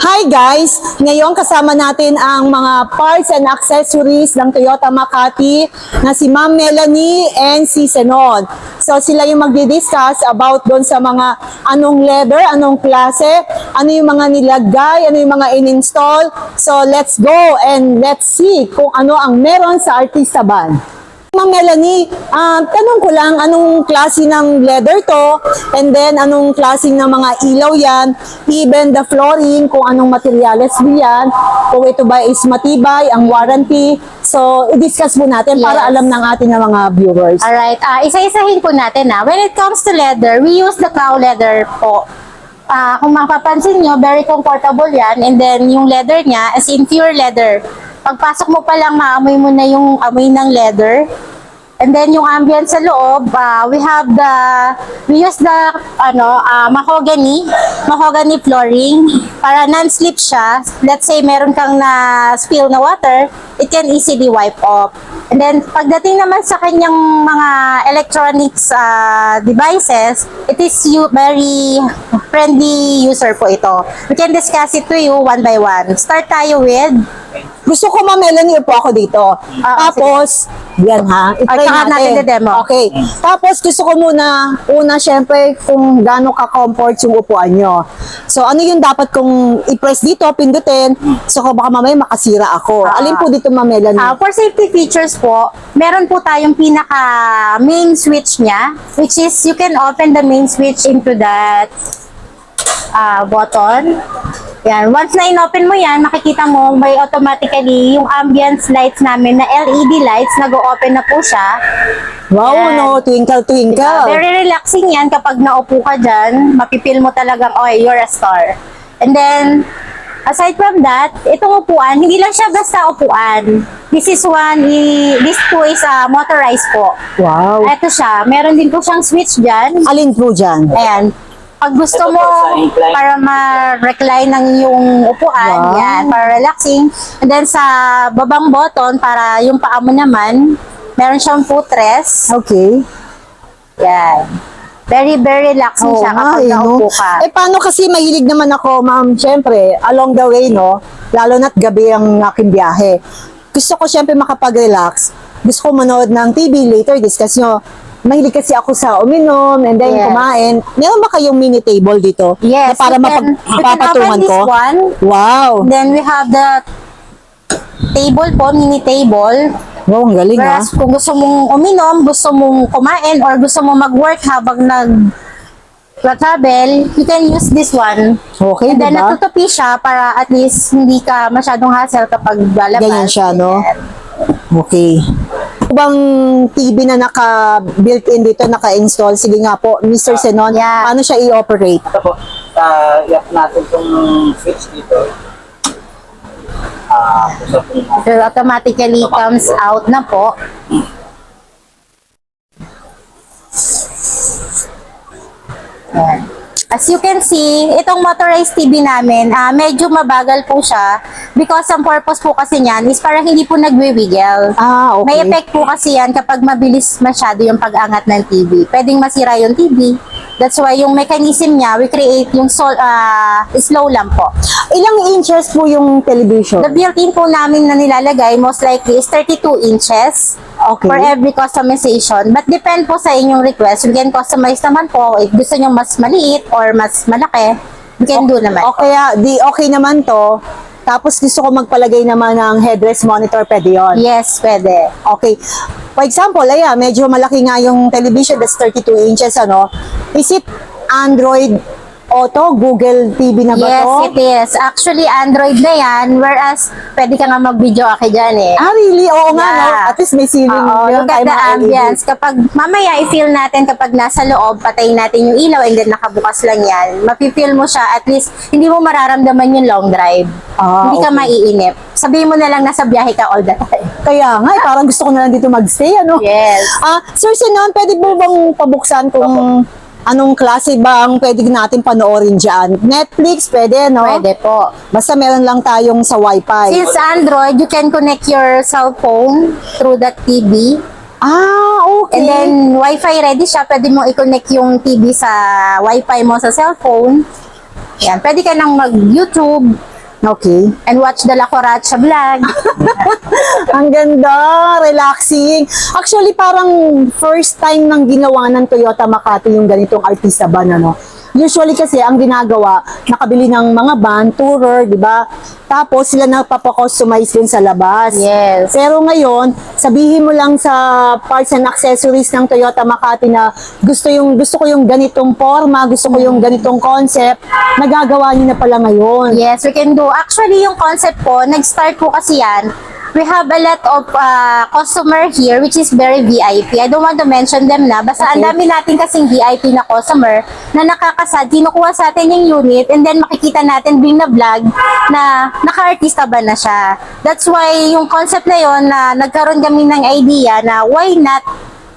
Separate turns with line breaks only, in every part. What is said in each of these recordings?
Hi guys! Ngayon kasama natin ang mga parts and accessories ng Toyota Makati na si Ma'am Melanie and si Senon. So sila yung magdi-discuss about doon sa mga anong leather, anong klase, ano yung mga nilagay, ano yung mga in-install. So let's go and let's see kung ano ang meron sa Artista Van. Ma'am Melanie, tanong ko lang, anong klase ng leather to? And then, anong klase ng mga ilaw yan? Even the flooring, kung anong materyales yan? Kung ito ba is matibay, ang warranty? So, i-discuss po natin para alam ng ating mga viewers.
Alright, isa-isahin po natin na. When it comes to leather, we use the cow leather po. Kung mapapansin nyo, very comfortable yan. And then, yung leather niya, as in pure leather. Pagpasok mo pa lang, maamoy mo na yung amoy ng leather. And then, yung ambience sa loob, we use the mahogany flooring para non-slip siya. Let's say, meron kang na-spill na water, it can easily wipe off. And then, pagdating naman sa kanyang mga electronics devices, it is very friendly user po ito. We can discuss it to you one by one. Start tayo with...
Gusto ko, Ma'am Melanie, upo ako dito. Tapos, yan ha, i-try natin.
demo.
Okay. Tapos, gusto ko una, syempre, kung gaano ka-comfort yung upuan nyo. So, ano yung dapat kong i-press dito, pindutin, so baka mamaya makasira ako. Alin po dito, Ma'am Melanie?
For safety features po, meron po tayong pinaka main switch niya, which is you can open the main switch into that button. Yan. Once na in-open mo yan, makikita mo may automatically yung ambience lights namin na LED lights, nag-o-open na po siya.
Wow,
yan.
no, twinkle, twinkle.
Very relaxing yan kapag naupo ka dyan. Mapipil mo talagang, oh, you're a star. And then, aside from that, itong upuan, hindi lang siya basta upuan. This two is motorized po.
Wow.
Ito siya, meron din po siyang switch dyan.
Alin po dyan?
Ayan. Pag gusto mo para ma-recline ng yung upuan,
wow,
yan, para relaxing. And then sa babang button, para yung paa mo naman, meron siyang footrest.
Okay.
Yan. Very, very relaxing siya kapag naupo ka.
Paano kasi mahilig naman ako, ma'am, syempre, along the way, no? Lalo na't gabi ang aking biyahe. Gusto ko syempre makapag-relax. Gusto ko manood ng TV later, discuss nyo. Mahilig kasi ako sa uminom and then kumain. Meron ba kayong mini table dito?
Yes.
Na para mapapatungan ko?
One.
Wow.
Then we have the table po, mini table.
Wow, ang galing ha.
Whereas kung gusto mong uminom, gusto mong kumain, or gusto mong mag-work habang nag-travel, you can use this one.
Okay,
and then
diba?
natutupi siya para at least hindi ka masyadong hassle kapag lalabas.
Ganyan siya, no? Okay. Bang TV na naka-built-in dito, naka-install? Sige nga po, Mr. Senon, paano siya i-operate?
Ito po, i-up natin itong switch dito.
So, automatically comes out na po. Ayan. As you can see, itong motorized TV namin, medyo mabagal po siya because ang purpose po kasi niyan is para hindi po nagwi-wiggle.
Okay.
May effect po kasi yan kapag mabilis masyado yung pag-angat ng TV. Pwedeng masira yung TV. That's why yung mechanism niya, we create yung slow lang po.
Ilang inches po yung television?
The built-in po namin na nilalagay most likely is 32 inches.
Okay.
For every customization. But depend po sa inyong request. We can customize naman po. If gusto nyo mas maliit or mas malaki, we can do naman.
Okay, okay naman to. Tapos gusto ko magpalagay naman ng headrest monitor, pwede yun?
Yes, pwede.
Okay. For example, medyo malaki nga yung television, that's 32 inches, ano? Is it Android Auto, Google TV na ba
Yes,
to?
it is. Actually, Android na yan. Whereas, pwede ka nga mag-video aki dyan eh.
Really? Oo nga, no?
Yeah.
At least may ceiling.
Look at the ambience. Kapag mamaya i-feel natin kapag nasa loob, patayin natin yung ilaw and then nakabukas lang yan. Mapipil mo siya, at least hindi mo mararamdaman yung long drive. Hindi ka maiinip. Sabihin mo na lang nasa biyahe ka all the time.
Kaya nga, parang gusto ko na lang dito magstay, ano?
Yes.
Sir Senon, pwede po bang pabuksan kung anong klase ba ang pwede natin panoorin dyan? Netflix, pwede, no?
Pwede po.
Basta meron lang tayong sa Wi-Fi.
Since Android, you can connect your cell phone through that TV.
Okay.
And then, Wi-Fi ready siya. Pwede mo i-connect yung TV sa Wi-Fi mo sa cellphone. Yan. Pwede ka nang mag-YouTube.
Okay.
And watch the La Coracha vlog.
Ang ganda, relaxing. Actually, parang first time nang ginawa ng Toyota Makati yung ganitong artista van, ano. Usually kasi ang ginagawa, nakabili ng mga van, tourer, di ba? Tapos sila napapakustomize din sa labas.
Yes.
Pero ngayon, sabihin mo lang sa parts and accessories ng Toyota Makati na gusto ko yung ganitong forma, gusto ko yung ganitong concept, nagagawa niyo na pala ngayon.
Yes, we can do. Actually, yung concept po, nag-start po kasi yan. We have a lot of customer here which is very VIP. I don't want to mention them na. Basta ang dami natin kasing VIP na customer na nakakasad, kinukuha sa atin yung unit and then makikita natin during na vlog na naka-artista ba na siya. That's why yung concept na yon na nagkaroon kami ng idea na why not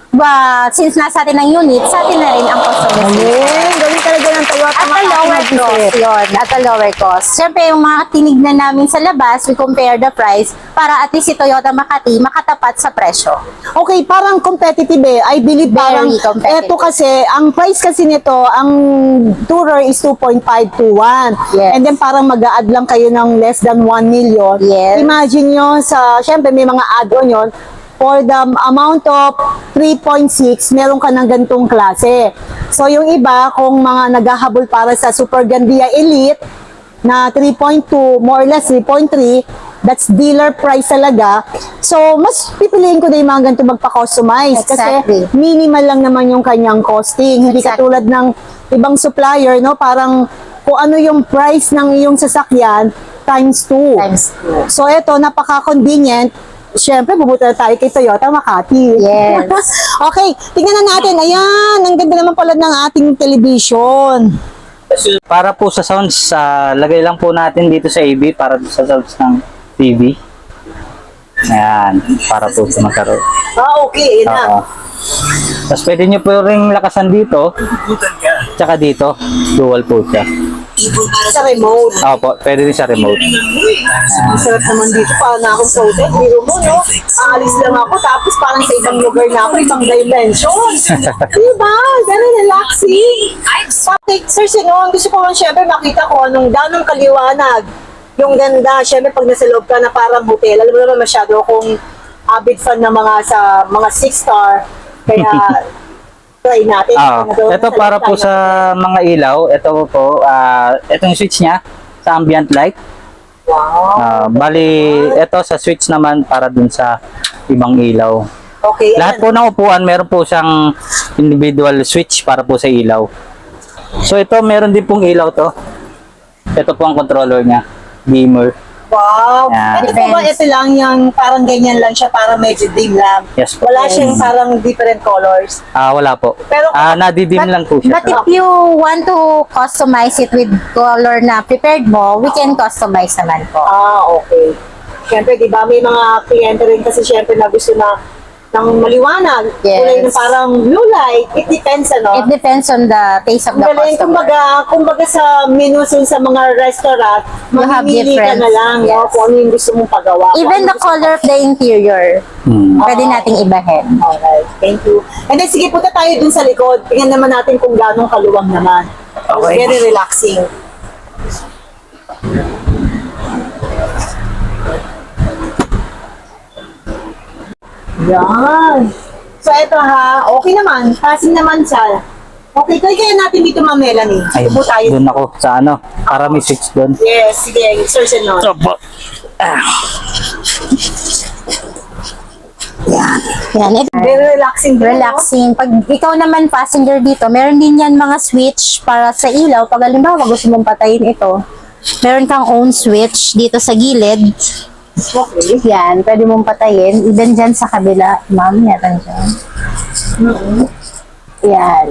since nasa atin ang unit, sa atin na rin ang customization.
Ayun, gawin talaga ng Toyota
At a
Makati
lower
mag-isip.
cost yun. At a lower cost. Siyempre, yung mga tinignan namin sa labas, we compare the price para at least si Toyota Makati makatapat sa presyo.
Okay, parang competitive eh. I believe
Very
parang
competitive.
eto kasi, ang price kasi nito, ang tourer is 2.521.
Yes.
And then parang mag-a-add lang kayo ng less than 1 million.
Yes.
Imagine nyo sa, syempre may mga add-on yun, for the amount of 3.6, meron ka ng ganitong klase. So yung iba, kung mga naghahabol para sa Super Gandia Elite, na 3.2, more or less 3.3, that's dealer price talaga. So, mas pipiliin ko na yung mga ganito magpa-customize.
Exactly.
Kasi minimal lang naman yung kanyang costing. Hindi
Exactly.
katulad ng ibang supplier, no? Parang kung ano yung price ng iyong sasakyan, times 2.
Times 2.
So, ito, napaka-convenient. Siyempre, pupunta na tayo kay Toyota Makati.
Yes.
Okay, tingnan na natin. Ayan, ang ganda naman pala ng ating television.
Para po sa sounds, lagay lang po natin dito sa AB para sa sounds ng TV. Ayan, para po sa magkaroon.
Okay, yun na.
Oo. Tapos pwede nyo po rin lakasan dito, tsaka dito, dual po siya.
Sa remote.
Opo, pwede rin sa remote.
Ang sarap naman dito. Parang na akong floated. Biro mo, no? Aalis lang ako. Tapos parang sa ibang lugar na ako. Ibang dimension. Diba? Very relaxing. Pati, Sir Sinon, gusto ko lang syempre makita ko anong ganong kaliwanag. Yung ganda. Syempre pag nasa loob ka na parang hotel. Alam mo naman masyado akong avid fan ng mga 6-star. Kaya try natin.
Ito para po sa mga ilaw. Ito po, itong switch niya sa ambient light.
Wow.
Bali, ito sa switch naman para dun sa ibang ilaw.
Okay.
Lahat po ng upuan, meron po siyang individual switch para po sa ilaw. So ito, meron din pong ilaw to. Ito po ang controller niya. Dimmer.
Wow.
Yan.
Ito po ba, ito lang yung parang ganyan lang siya, parang medyo dim lang.
Yes po.
Wala siyang parang different colors.
Wala po.
Pero-
Nadidim lang po siya.
But if you want to customize it with color na prepared mo, we can customize naman po.
Okay. Siyempre, di ba, may mga kliyente rin kasi siyempre na gusto na ng maliwanag.
Yes.
Kulay ng parang blue light. It depends, ano?
It depends on the taste of the
Ang galing,
customer.
kumbaga sa menu sa mga restaurant,
You have
mamimili ka
different-
na lang, no?
yes.
Kung ano yung gusto mong pagawa. Kung
Even
ano
the
gusto
color of the interior, pwede
Ah.
nating ibahin.
Alright, thank you. And then, sige, punta tayo dun sa likod. Tingnan naman natin kung gano'ng kaluwang naman.
Okay.
Very relaxing. Yan. So, eto ha. Okay naman. Passing naman siya. Okay, kaya natin dito, Ma'am Melanie.
Ay,
Dito po tayo.
dun ako sa para may switch dun.
Yes, sige. Sir Senon.
Opo.
Yan, it,
Very relaxing. din, no?
relaxing. Pag ikaw naman passenger dito, meron din yan mga switch para sa ilaw. Pag halimbawa gusto mong patayin ito, meron kang own switch dito sa gilid.
Okay.
Yan, pwede mong patayin. Even dyan sa kabila, ma'am, yan dyan. Yan.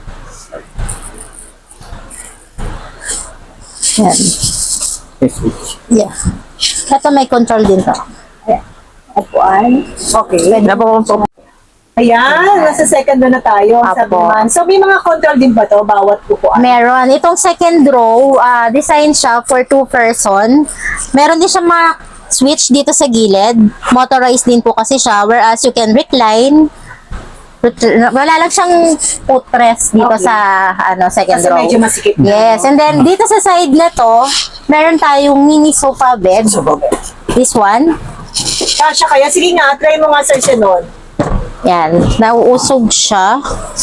Yan.
May switch.
Yeah. Ito may control din to. Ayan. Upuan.
Okay.
Pwede mo
Ayan, nasa second na tayo.
Apo.
Sabi naman. So, may mga control din ba to bawat upuan?
Meron. Itong second row, design siya for 2 person. Meron din siya mga switch dito sa gilid. Motorized din po kasi siya, whereas you can recline. Wala lang siyang footrest dito
Okay.
sa second
Kasi
row.
medyo masikip na,
Yes,
no?
and then dito sa side na to, meron tayong mini sofa bed. This one.
Kasha kaya? Sige nga, try mo nga, Sir Senon.
Yan, nauusog siya.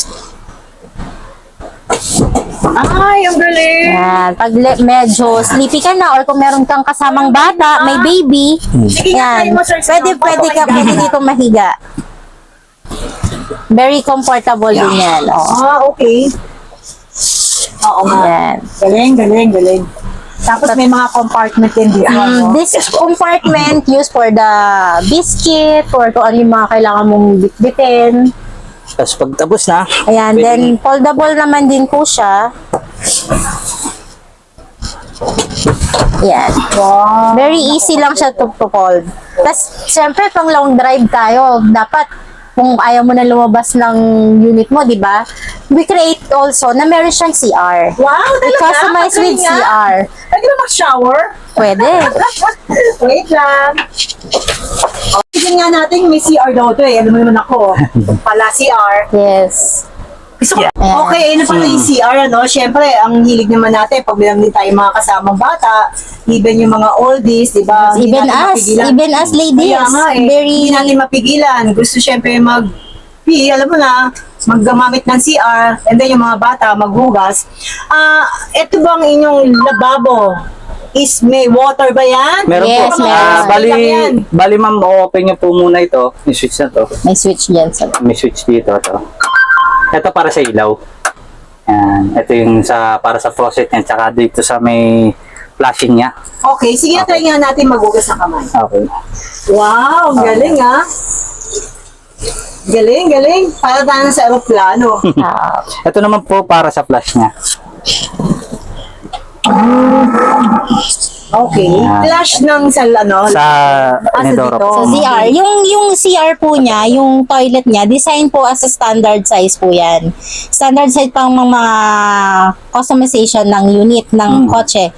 Ay, ang galing.
Yan, pag medyo sleepy ka na or kung meron kang kasamang bata, may baby,
Sige nga, try
yan,
mo, Sir Senon.
pwede dito mahiga. Very comfortable din yan. Oh.
Okay. Oo nga.
Yan.
Galing. Tapos may mga compartment din dito. no?
This compartment used for the biscuit or kung ano yung mga kailangan mong bitbitin.
Tapos pag tapos na,
Ayan,
pwede-
then foldable naman din po siya. Yan.
Wow.
Very easy lang siya to fold. Tapos, siyempre, pang long drive tayo, dapat, kung ayaw mo na lumabas ng unit mo, di ba? We create also na meron siyang CR.
Wow,
We
talaga?
customize with
Magaling nga.
CR.
Pwede ba mag-shower?
Pwede.
Wait lang. Tignan nga natin, may CR daw to eh. Alam mo naman ako. Pala CR.
Yes.
So, okay, na pala yung CR, ano? Siyempre, ang hilig naman natin, pag bilang din tayo mga kasamang bata, even yung mga oldies, di ba? Hindi
Even
natin
us,
mapigilan.
even us ladies,
Kaya nga eh,
very-
hindi natin mapigilan. Gusto siyempre alam mo na, maggamamit ng CR, and then yung mga bata, maghugas. Ito bang inyong lababo? Is may water ba yan?
Meron
Yes,
po.
meron.
Bali ma'am, open niyo po muna ito. Yung switch na to.
May switch dyan sa...
May switch dito to. Ito para sa ilaw. Yan. Ito yung para sa faucet niya. Tsaka dito sa may flashing niya.
Okay, sige, try nga natin maghugas ng kamay.
Okay.
Wow, galing ah. Galing. Para tayo sa aeroplano.
Ah,
Ito naman po para sa flash niya.
Okay.
Yan.
Flash ng
Sa
dito.
inodoro po.
So, CR. Yung CR po niya, yung toilet niya, design po as a standard size po yan. Standard size pang mga customization ng unit ng kotse.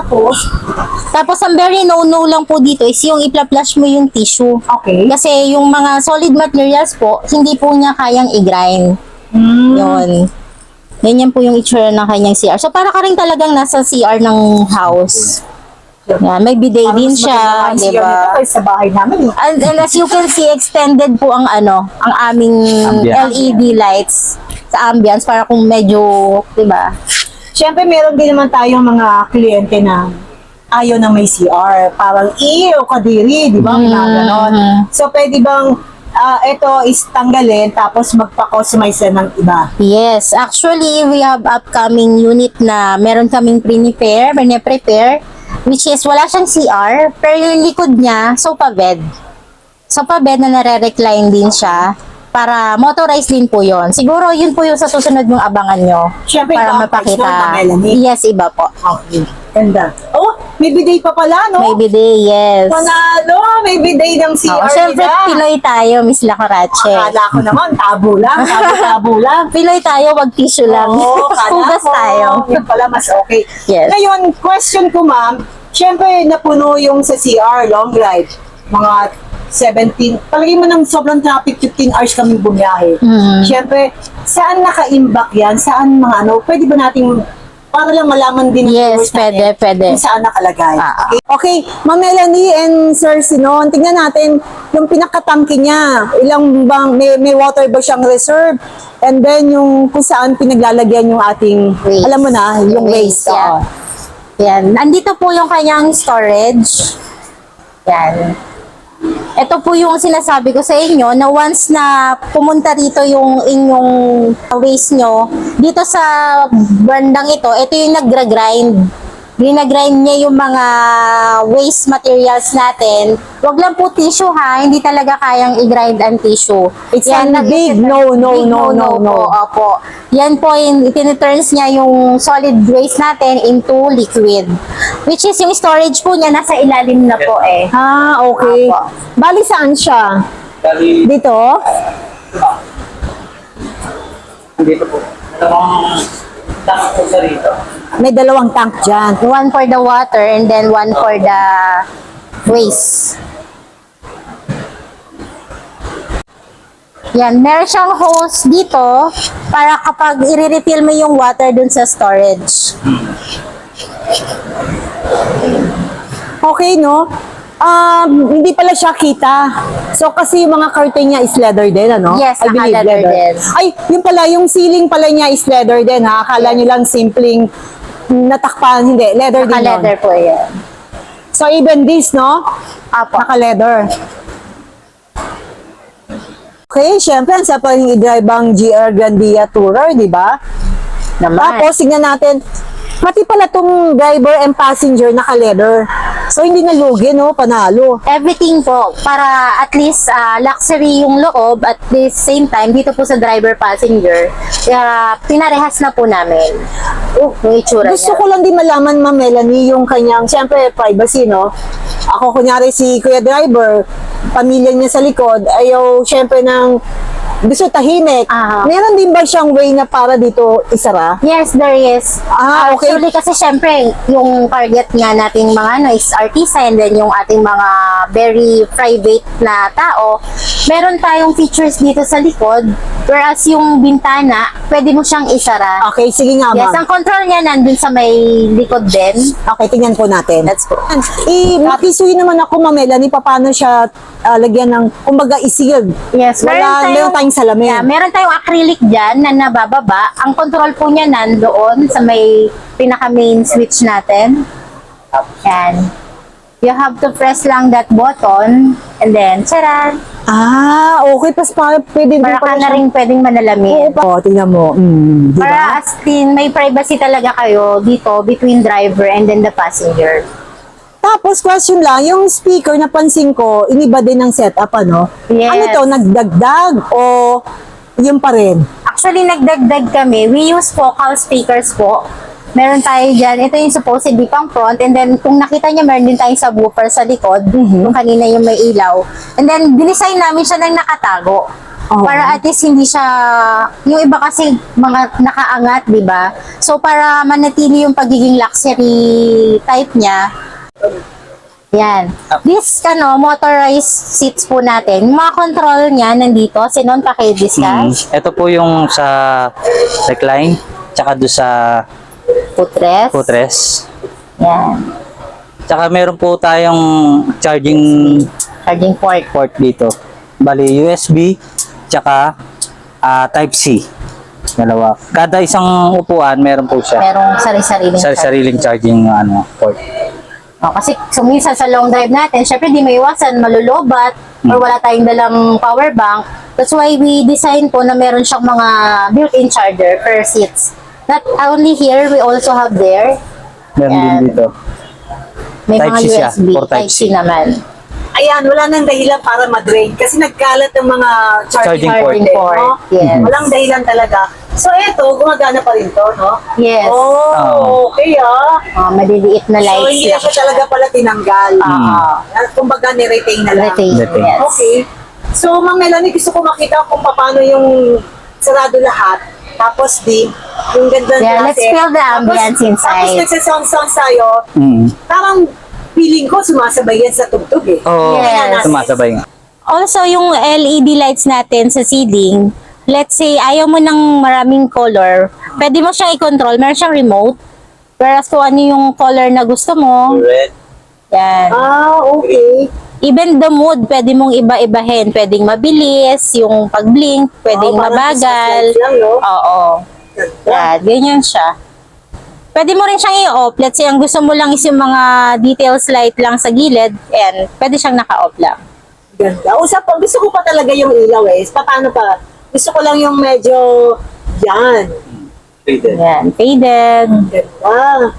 Tapos, ang very no-no lang po dito is yung ipla-flush mo yung tissue.
Okay.
Kasi yung mga solid materials po, hindi po niya kayang i-grind. Yun. Ganyan po yung itsura ng kanyang CR. So, para ka rin talagang nasa CR ng house. Yan, may bidet din siya, di ba?
Sa bahay namin.
And as you can see, extended po ang ang aming
Ambience.
LED lights sa ambience para kung medyo, di ba?
Siyempre, meron din naman tayong mga kliyente na ayaw na may CR. Parang, kadiri, di ba? Ganon. So, pwede bang ito is tanggalin tapos magpa-customize na ng iba?
Yes, actually, we have upcoming unit na meron kaming prepare, which is wala siyang CR, pero yung likod niya, sofa bed. Sofa bed na nare-recline din siya para motorized din po yon. Siguro yun po yung sa susunod yung abangan nyo.
Siyempre,
para
iba ang price nun,
mapakita.
Melanie.
Yes, iba po.
Okay. Ganda. Oh, may bidet pa pala, no?
May bidet, yes.
Panalo! May bidet ng CR
Siyempre,
nila.
Pinoy tayo, Miss Lacorache.
Akala ko naman, tabo lang.
Pinoy tayo, wag tissue lang.
Oo, kala
Hugas
ko.
tayo.
Yun pala, mas okay.
Yes.
Ngayon, question ko, ma'am. Siyempre, napuno yung sa CR, long ride. Mga 17, palagay mo ng sobrang traffic, 15 hours kaming bumiyahe. Siyempre, saan naka-imbak yan? Saan mga pwede ba nating, para lang malaman din ng
Yes,
viewers natin
pwede.
kung saan nakalagay.
Ah.
Okay, Ma'am Melanie and Sir Sinon, tingnan natin yung pinakatangke niya. Ilang bang, may water ba siyang reserve? And then yung kung saan pinaglalagyan yung ating,
Waste.
alam mo na, yung waste.
Yeah.
oo.
Yan. Andito po yung kanyang storage. Yan. Ito po yung sinasabi ko sa inyo na once na pumunta rito yung inyong waste nyo, dito sa bandang ito yung nagra-grind. Ginagrind niya yung mga waste materials natin. Wag lang po tissue ha, hindi talaga kayang i-grind ang tissue.
It's a big no.
Po, opo. Yan po, itiniturns niya yung solid waste natin into liquid. Which is yung storage po niya, nasa ilalim na po eh.
Ah, okay.
Apo.
Bali saan siya?
Bali,
Dito?
dito po. Tama po sa rito.
May dalawang tank dyan.
One for the water and then one for the waste. Yan, meron siyang hose dito para kapag i-refill mo yung water dun sa storage.
Okay, no? Hindi pala siya kita. So, kasi yung mga curtain niya is leather din, ano?
Yes,
I believe
naka-leather din.
Ay, yun pala, yung ceiling pala niya is leather din, ha? Akala niyo lang simpleng natakpan. Hindi, leather din yun.
Naka-leather po yan.
So, even this, no?
Apo.
Naka-leather. Okay, syempre, sa pang i-drive ang GR Grandia Tourer, di ba?
Naman.
Tapos, tignan natin, pati pala tong driver and passenger naka-leather. So, hindi nalugi, no? Panalo.
Everything po, para at least luxury yung loob, at the same time, dito po sa driver-passenger, pinarehas na po namin yung itsura
Gusto
niya.
ko lang din malaman, Ma'am Melanie, yung kanyang, siyempre, privacy, no? Ako, kunyari, si Kuya Driver, pamilya niya sa likod, ayaw, siyempre, ng gusto tahimik.
Aha.
Meron din ba siyang way na para dito isara?
Yes, there is.
Okay.
Actually, kasi syempre, yung target nga nating mga ano is artista, and then yung ating mga very private na tao, meron tayong features dito sa likod, whereas yung bintana, pwede mo siyang isara.
Okay, sige nga,
Yes,
Ma'am.
ang control niya nandun sa may likod din.
Okay, tingnan po natin.
Let's go.
Makisuy naman ako, Ma'am Melanie, paano siya lagyan ng, kumbaga, i-sealed.
Yes,
Meron tayong salamin.
Yeah, meron tayong acrylic dyan na nabababa. Ang control po niya nandoon sa may pinaka main switch natin. Yan. You have to press lang that button and then, charan!
Okay, pas pwede din
Para ka
pala
na
siyang-
rin pwedeng manalamin.
Tingnan mo. Di ba?
Para as in, may privacy talaga kayo dito between driver and then the passenger.
Tapos, question lang, yung speaker, napansin ko, iniba din ng setup, ano?
Yes.
Ano to, nagdagdag o yun pa rin?
Actually, nagdagdag kami. We use focal speakers po. Meron tayo dyan. Ito yung supposedly pang front. And then, kung nakita niya, meron din tayong subwoofer sa likod. Yung kanina yung may ilaw. And then, dinesign namin siya ng nakatago.
Oh.
Para at least hindi siya... Yung iba kasi mga nakaangat, di ba? So, para manatili yung pagiging luxury type niya, yan. This, motorized seats po natin. Yung mga control niya nandito. Sinon, paki-discuss.
Ito po yung sa recline, tsaka doon sa
Footrest.
footrest.
Yan.
Tsaka meron po tayong charging
Charging port.
port dito. Bali, USB, tsaka Type-C. Dalawa. Kada isang upuan, meron po siya.
Merong sari-sariling
Sariling charging port.
Kasi minsan sa long drive natin, syempre di may iwasan, malulobat, or wala tayong dalang power bank. That's why we design po na meron siyang mga built-in charger per seats. Not only here, we also have there.
Meron
Yan.
din dito.
May mga
Type-C siya,
USB,
for
Type-C
Type-C.
naman.
Ayan, wala nang dahilan para ma-drain kasi nagkalat ng mga charging,
Charging
port.
port.
No?
Yes.
Walang dahilan talaga. So, eto, gumagana pa rin to, no?
Yes.
Oo.
Okay,
Maliliit na
So,
lights
hindi na
lang
siya talaga pala tinanggal.
Oo.
Kumbaga, ni-retain na lang.
Retain,
Retain.
yes.
Okay. So, Ma'am Melanie, gusto ko makita kung paano yung sarado lahat. Tapos din, yung ganda
Yeah,
klase.
let's feel the ambience inside.
Tapos nagsasound-sound tayo, parang feeling ko sumasabay yan sa tugtog eh.
Oo,
Yes.
sumasabay nga.
Also, yung LED lights natin sa ceiling, let's say, ayaw mo ng maraming color, pwede mo siyang i-control. Meron siyang remote. Whereas kung ano yung color na gusto mo,
Red.
yan.
Okay.
Even the mood, pwede mong iba-ibahin. Pwedeng mabilis, yung pag-blink, pwedeng
Parang
mabagal.
Christmas lights lang, no?
Oo. Yan, ganyan siya. Pwede mo rin siyang i-off. Let's say, ang gusto mo lang is yung mga details light lang sa gilid, and pwede siyang naka-off lang.
Ganda. Gusto ko pa talaga yung ilaw eh. Paano pa? Gusto ko lang yung medyo yan.
Yan, faded.
Ganda.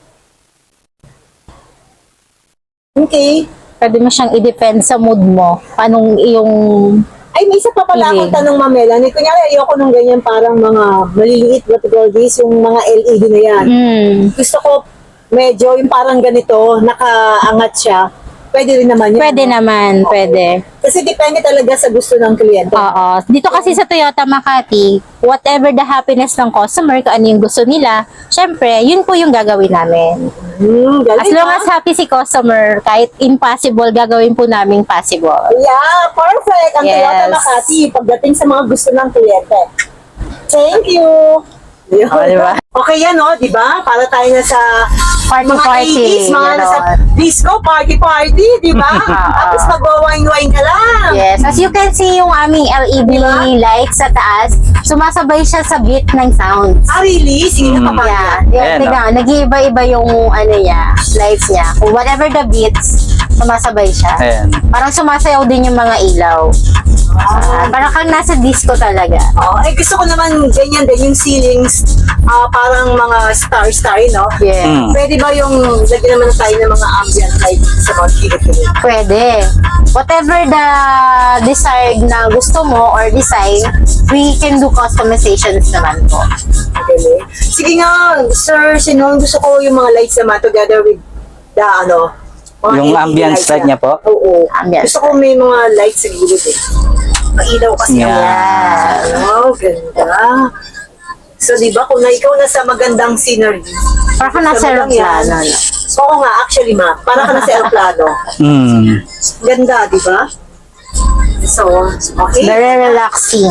Okay.
Pwede mo siyang i-defend sa mood mo. Anong iyong...
Ay, may isa pa pala akong
Hindi.
tanong, Ma'am Melanie. Kunyari, ayoko nung ganyan parang mga maliliit, what you call this, yung mga LED na yan. Gusto ko medyo yung parang ganito, nakaangat siya. Pwede rin naman yun.
Pwede
no?
naman, pwede.
Kasi depende talaga sa gusto ng kliyente.
Oo. Dito kasi sa Toyota Makati, whatever the happiness ng customer, kung ano yung gusto nila, syempre, yun po yung gagawin namin.
Galing,
As long
ha?
as happy si customer, kahit impossible, gagawin po namin possible.
Yeah, perfect. Ang
Yes.
Toyota Makati, pagdating sa mga gusto ng kliyente. Thank you. Yun.
Oh, di ba?
Okay yan, no? Di ba? Para tayo na sa mga 80s, mga nasa disco, party, di ba? Tapos mag-wine-wine ka lang.
Yes, as you can see yung aming LED
Diba?
lights sa taas, sumasabay siya sa beat ng sounds.
Ah, really? Sige na, papaya.
Yeah,
Ayan,
tingnan, nag-iiba-iba yung ano niya, lights niya. Kung whatever the beats, sumasabay siya.
Ayan.
Parang sumasayaw din yung mga ilaw. Parang kang nasa disco talaga.
Oh, gusto ko naman ganyan din, yung ceilings, parang mga star, no?
Yeah.
Mm.
Pwede ba yung lagyan naman tayo ng mga ambient light sa mga kilit-kilit?
Pwede. Whatever the desired na gusto mo or design, we can do customizations naman po.
Okay. Sige nga, Sir Sinon, gusto ko yung mga lights naman together with the, mga
Yung
LED
ambience
lights
light
na.
niya po?
Oo.
Ambience
Gusto ko may mga lights sa gilid eh. Mailaw kasi.
Yeah.
Oh, ganda. So, di ba, kung ikaw nasa magandang scenery,
Parang ka nasa
sama lang yan.
aeroplano, no?
Oo nga, actually, para ka nasa aeroplano.
Mm.
Ganda, di ba? So, okay.
Very relaxing.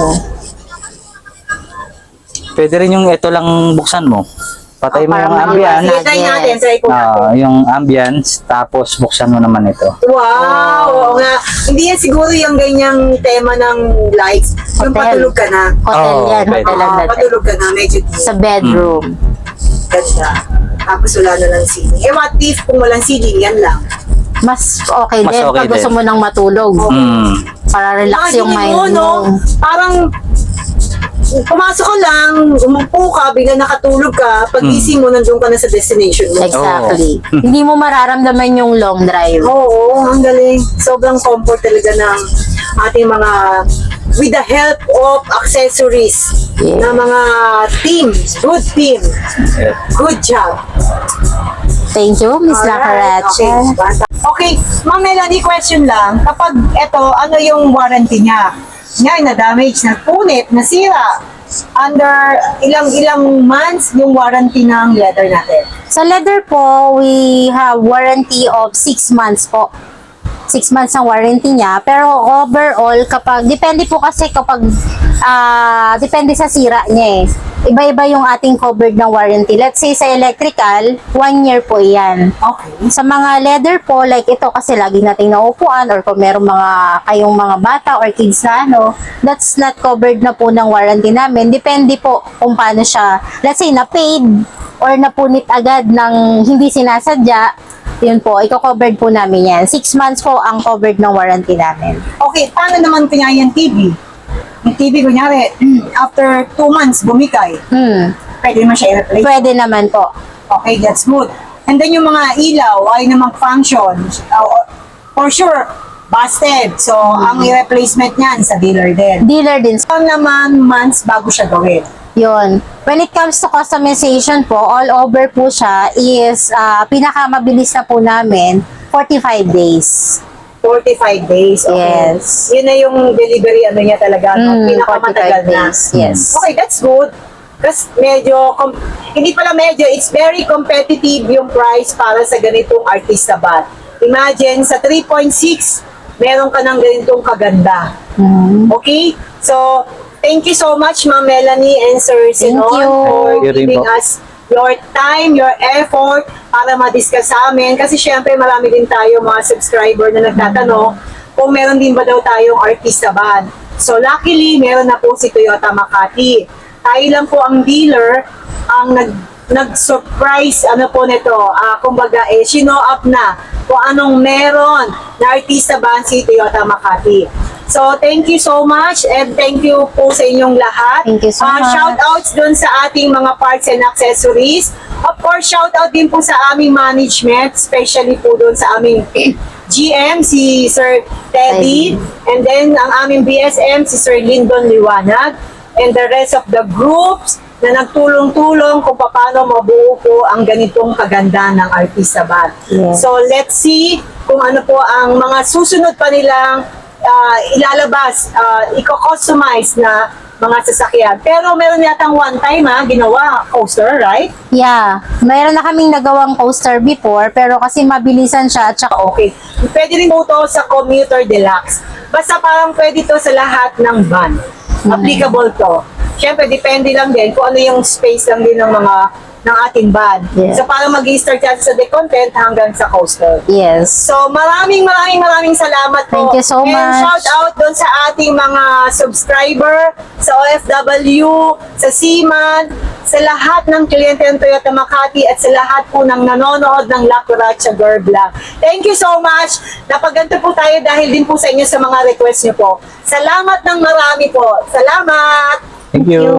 Pwede rin yung ito lang buksan mo. Patay mo
parang
yung ambience.
Sige, try natin, try ko natin.
Yung ambience, tapos buksan mo naman ito.
Wow! Oo nga. Hindi yan siguro yung ganyang tema ng lights. Yung
Hotel.
patulog ka na.
Hotel
Oh,
yan,
pwede.
hotel ang dating.
Patulog ka na, medyo
Sa bedroom.
ganda. Tapos wala na lang ceiling. What if kung walang ceiling, yan lang.
Mas okay
Mas
din
okay
pag gusto
din.
mo nang matulog.
Mm.
Para relax yung
Imagine
mind
mo,
mo.
no? Parang pumasok ka lang, umupo ka, bigla nakatulog ka, pag-gising mo, nandun ka na sa destination mo.
Exactly. Hindi mo mararamdaman yung long drive.
Oo, ang galing. Sobrang comfort talaga ng ating mga, with the help of accessories
Yeah.
na mga team. Good team. Good job.
Thank you, Miss
Alright,
Lacarache.
Okay, Ma'am Melanie, question lang. Kapag ito, ano yung warranty niya? Ngayon, na-damage, napunit, nasira. Under ilang months yung warranty ng leather natin?
Sa leather po, we have warranty of 6 months po. 6 months ang warranty niya. Pero overall, depende po kasi depende sa sira niya eh. Iba-iba yung ating covered ng warranty. Let's say sa electrical, 1 year po yan.
Okay.
Sa mga leather po, like ito kasi lagi nating naupuan or kung meron kayong mga bata or kids na that's not covered na po ng warranty namin. Depende po kung paano siya, let's say na-paid or napunit agad ng hindi sinasadya, yun po, i-covered po namin yan. 6 months po ang covered ng warranty namin.
Okay, paano naman kunyari yung TV? Yung TV, kunyari, after 2 months, bumikay. Pwede naman siya i-replace.
Pwede naman po.
Okay, that's good. And then yung mga ilaw ay na mag-function. For sure, busted. So, ang replacement niyan sa dealer din.
Dealer din.
So, naman months bago siya gawin.
Yun. When it comes to customization po, all over po siya is pinakamabilis na po namin, 45 days.
45 days. Okay.
Yes.
Yun na yung delivery niya talaga. No?
45
Pinakamatagal na.
days. Yes.
Okay, that's good. Kasi medyo, hindi pala medyo, it's very competitive yung price para sa ganitong artista bat. Imagine, sa 3.6, meron ka ng ganitong kaganda. Okay? So, thank you so much, Ma'am Melanie and Sir Sinon,
you.
for
Thank you rin
giving
po.
us your time, your effort para ma-discuss sa amin. Kasi syempre, marami din tayo mga subscriber na nagtatanong kung meron din ba daw tayong artista band. So, luckily, meron na po si Toyota Makati. Tayo lang po ang dealer ang nag-surprise po nito. Kumbaga, sino up na kung anong meron na artista band si Toyota Makati. So, thank you so much and thank you po sa inyong lahat.
Thank you so much.
Shout outs dun sa ating mga parts and accessories. Of course, shout out din po sa aming management, especially po dun sa aming GM, si Sir Teddy, and then ang aming BSM, si Sir Lyndon Liwanag, and the rest of the groups na nagtulong-tulong kung paano mabuo po ang ganitong kaganda ng artista band.
Yes.
So, let's see kung ano po ang mga susunod pa nilang ilalabas, i-customize na mga sasakyan. Pero meron yatang one time ginawa coaster, right?
Yeah. Mayroon na kaming nagawang coaster before, pero kasi mabilisan siya at saka
Okay. Pwede rin po to sa commuter deluxe. Basta parang pwede to sa lahat ng van. Applicable to. Siyempre, depende lang din kung ano yung space lang din ng mga ng ating van.
Yeah.
So para mag-start natin sa decontent hanggang sa coastal.
Yes.
So maraming salamat po.
Thank you so
And
much.
shout out doon sa ating mga subscriber, sa OFW, sa Seaman, sa lahat ng kliyente ng Toyota Makati at sa lahat po ng nanonood ng La Cucaracha Girl Vlog. Thank you so much. Napaganto po tayo dahil din po sa inyo sa mga request niyo po. Salamat ng marami po. Salamat!
Thank you.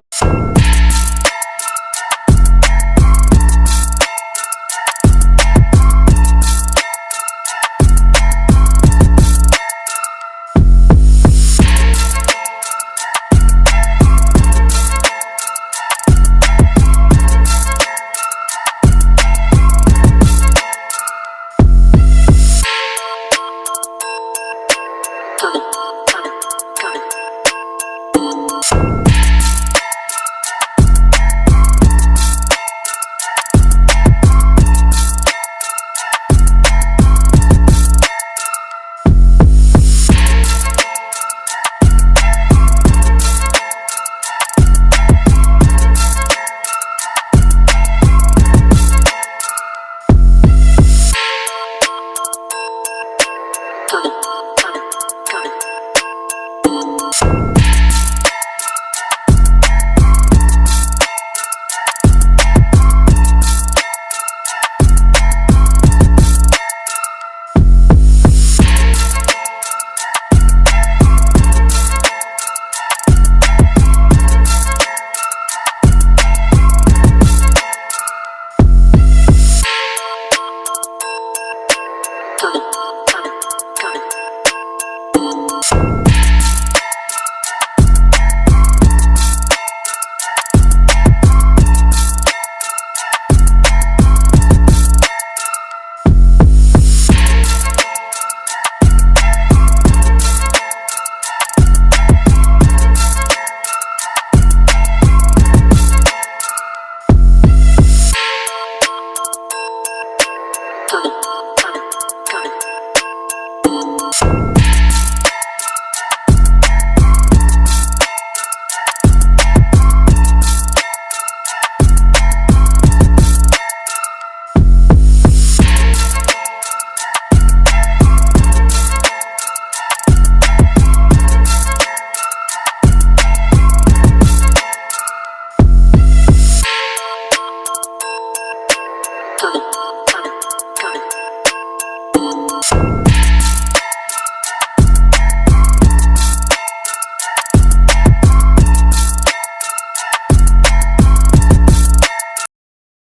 Coming.